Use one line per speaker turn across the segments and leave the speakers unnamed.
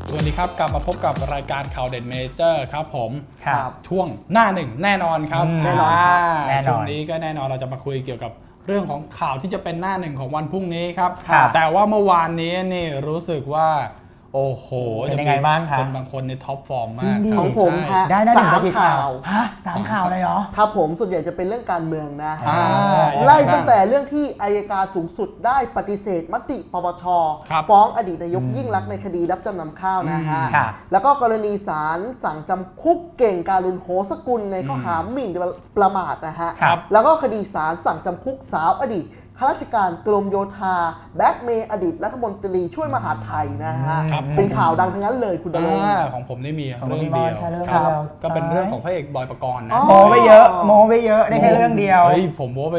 สวัสดีครับกลับมาพบกับรายการข่าวเด่นเมเจอร์ครับผม
ครับ
ช่วงหน้าหนึ่งแน่นอนครับ
แน่นอน
ช่วงนี้ก็แน่นอนเราจะมาคุยเกี่ยวกับเรื่องของข่าวที่จะเป็นหน้าหนึ่งของวันพรุ่งนี้ครับแต่ว่าเมื่อวานนี้นี่รู้สึกว่าโอ้โห
เป็นยังไงบ้างครับ
เป็นบางคนในท็อปฟอร์มมาก
ของผม
ได้หนึ่งกี่ข่าว3 ข่าวเลยเหรอ
ครับผมส่วนใหญ่จะเป็นเรื่องการเมืองนะไล่ตั้งแต่เรื่องที่อัยการสูงสุดได้ปฏิเสธมติปปช.ฟ้องอดีตนายกยิ่งลักษณ์ในคดีรับจำนำข้าวนะฮะแล้วก็กรณีศาลสั่งจำคุกเก่งการุณโหสกุลในข้อหาหมิ่นประมาทนะฮะแล้วก็คดีศาลสั่งจำคุกสาวอดีตข้าราชการกรมโยธาแบ็กเมย์อดีตรัฐมนตรีช่วยมหาดไทยนะฮะเป็นข่าวดังทั้งนั้นเลยคุณดลง
ของผมนี่มีเรื่องเดียวก็เป็นเรื่องของพระเอกบอยปกรณ์นะ
โมไปเยอะได้แค่เรื่องเดียว
เฮ้ยผมโม้ไป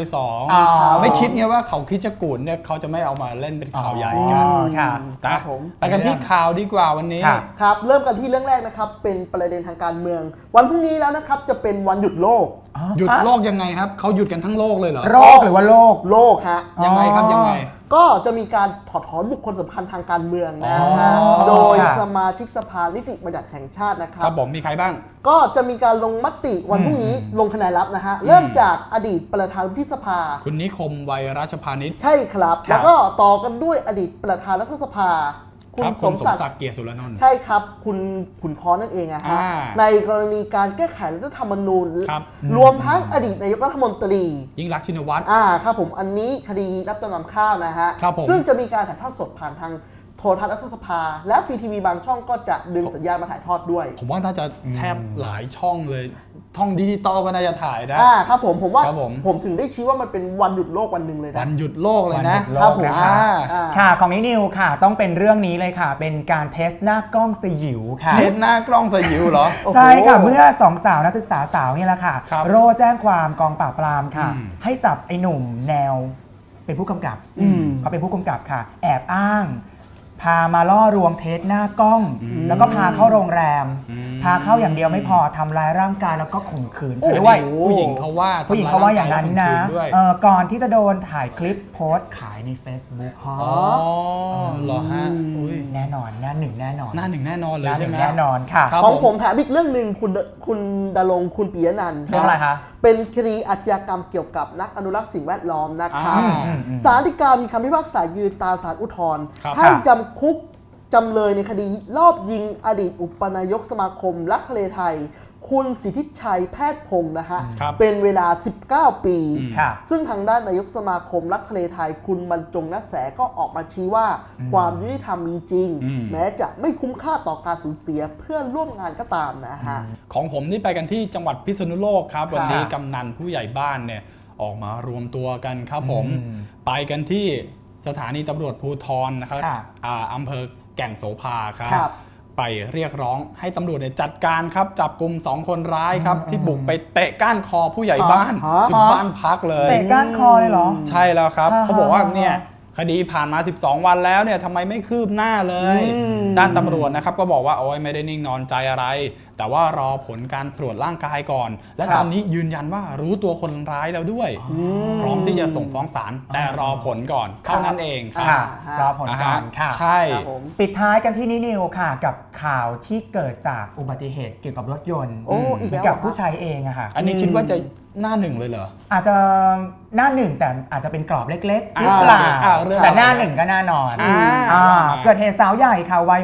2ไม่คิดไงว่าเขาคิดจะกูดเนี่ยเขาจะไม่เอามาเล่นเป็นข่าวใหญ่กัน
ครับผม
ไปกันที่ข่าวดีกว่าวันนี้
ครับเริ่มกันที่เรื่องแรกนะครับเป็นประเด็นทางการเมืองวันพรุ่งนี้แล้วนะครับจะเป็นวันหยุดโลก
หยุดโลกยังไงครับเขาหยุดกันทั้งโลกเลยเหรอ
โรคหรือว่าโลก
ฮะ
ยังไงครับยังไง
ก็จะมีการถอดถอนบุคคลสำคัญทางการเมืองนะฮะโดยสมาชิกสภานิติบัญญัติแห่งชาตินะครับ
ครับผมมีใครบ้าง
ก็จะมีการลงมติวันพรุ่งนี้ลงคะแนนลับนะฮะเริ่มจากอดีตประธานวุฒิสภา
คุณนิคมไวรัชพานิช
ใช่ครับแล้วก็ต่อกันด้วยอดีตประธานรัฐสภา
คุณสมศักดิ์เกียรติสุรนนท์
ใช่ครับคุณค้อนนั่นเองนะฮะในกรณีการแก้ไขรัฐธรรมนูญรวมทั้งอดีตนายกรัฐมนตรี
ยิ่งลักษณ์ชินวัตร
ครับผมอันนี้คดีรับจำนำข้าวนะฮะซึ่งจะมีการถ่ายทอดสดผ่านทางโทรทัศน์รัฐสภาและฟรีทีวีบางช่องก็จะดึงสัญญาณมาถ่ายทอดด้วย
ผมว่าน่าจะแทบหลายช่องเลยท่องดิจิตอลก็น่าจะถ่ายนะครับ
ผมว่าผมถึงได้ชี้ว่ามันเป็นวันหยุดโลกวันหนึ่งเลยนะ
วันหยุดโลกเลยนะครับ
ผมค่ะของนิวค่ะต้องเป็นเรื่องนี้เลยค่ะเป็นการเทสหน้ากล้องสยิวค่ะ
เทสหน้ากล้องสยิวเหรอ
ใช่ค่ะเมื่อ2 สาวนักศึกษาสาวนี่แหละค่ะโรแจ้งความกองปราบปรามค่ะให้จับไอ้หนุ่มแนวเป็นผู้กำกับเขาเป็นผู้กำกับค่ะแอบอ้างพามาล่อลวงเทสหน้ากล้องแล้วก็พาเข้าโรงแรมพาเข้าอย่างเดียวไม่พอทำร้ายร่างกายแล้วก็ข่มขืนด้วย
ผู้หญิงเขาว่า
อย่างนั้นนะก่อนที่จะโดนถ่ายคลิปโพสต์ขายใน Facebook
เหรอฮะ
แน่นอนหน้าหนึ่งแน่นอน
เลยใช่ไหม
แน่นอนค่ะ
ของผมแถมอีกเรื่องหนึ่งคุณดลงคุณปิยนันท์
เรื่องอะไรคะ
เป็นคดีอาชญากรรมเกี่ยวกับนักอนุรักษ์สิ่งแวดล้อมนะครับศาลฎีกามีคำพิพากษายืนตามศาลอุทธรณ์ให้จำคุกจำเลยในคดีลอบยิงอดีตอุปนายกสมาคมรักทะเลไทยคุณสิทธิชัยแพทย์พงศ์นะฮะเป็นเวลา19 ปีซึ่งทางด้านนายกสมาคมรักทะเลไทยคุณบรรจงนัสแสก็ออกมาชี้ว่าความยุติธรรมมีจริงแม้จะไม่คุ้มค่าต่อการสูญเสียเพื่อนร่วมงานก็ตามนะฮะ
ของผมนี่ไปกันที่จังหวัดพิษณุโลกครับวันนี้กำนันผู้ใหญ่บ้านเนี่ยออกมารวมตัวกันครับผมไปกันที่สถานีตำรวจภูธรนะครับอำเภอแก่งโสภาครับไปเรียกร้องให้ตำรวจจัดการครับจับกลุ่ม2 คนร้ายครับที่บุกไปเตะก้านคอผู้ใหญ่บ้านถึงบ้านพักเลย
เตะก้านคอเลยเหรอ
ใช่แล้วครับเขาบอกว่าเนี่ยคดีผ่านมา12 วันแล้วเนี่ยทำไมไม่คืบหน้าเลยด้านตำรวจนะครับก็บอกว่าโอ้ยไม่ได้นิ่งนอนใจอะไรแต่ว่ารอผลการตรวจร่างกายก่อนและตอนนี้ยืนยันว่ารู้ตัวคนร้ายแล้วด้วยพร้อมที่จะส่งฟ้องศาลแต่รอผลก่อนเท่านั้นเองครับ
รอผลก่อนค่ะ
ใช่
ปิดท้ายกันที่นิวค่ะกับข่าวที่เกิดจากอุบัติเหตุเกี่ยวกับรถยนต์กับผู้ชายเองอะค่ะ
อันนี้คิดว่าจะหน้าหนึ่งเลยเหรอ
อาจจะหน้าหนึ่งแต่อาจจะเป็นกรอบเล็กๆหรือเปล่าแต่หน้าหนึ่งก็แน่นอนเกิดเหตุสาวใหญ่ค่ะวัย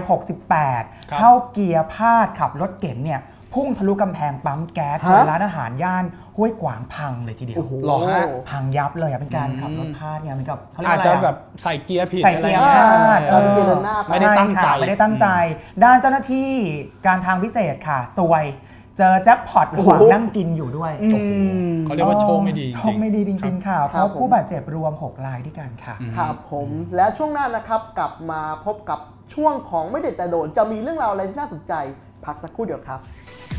68เข้าเกียร์พลาดขับรถเก๋งเนี่ยพุ่งทะลุกำแพงปั๊มแก๊สจนร้านอาหารย่านห้วยขวางพังเลยทีเดียว
หรอฮะ
พังยับเลยเป็นการขับรถพลาดไงมันกับ
อาจจะแบบใส่เกียร์ผิด
ใส่เกียร์พลาด
ไม่ได้ตั้ง
ใจด้านเจ้าหน้าที่การทางพิเศษค่ะซวยเจอแจ็คพอตระหว่างนั่งกินอยู่ด้วย
เขาเรียกว่าโชคไม่ดี
จริงๆค่ะเพราะผู้บาดเจ็บรวม6 รายด้วยกันค่ะ
ครับผมและช่วงหน้านะครับกลับมาพบกับช่วงของไม่เด็ดแต่โดนจะมีเรื่องราวอะไรที่น่าสนใจพักสักครู่เดียวครับ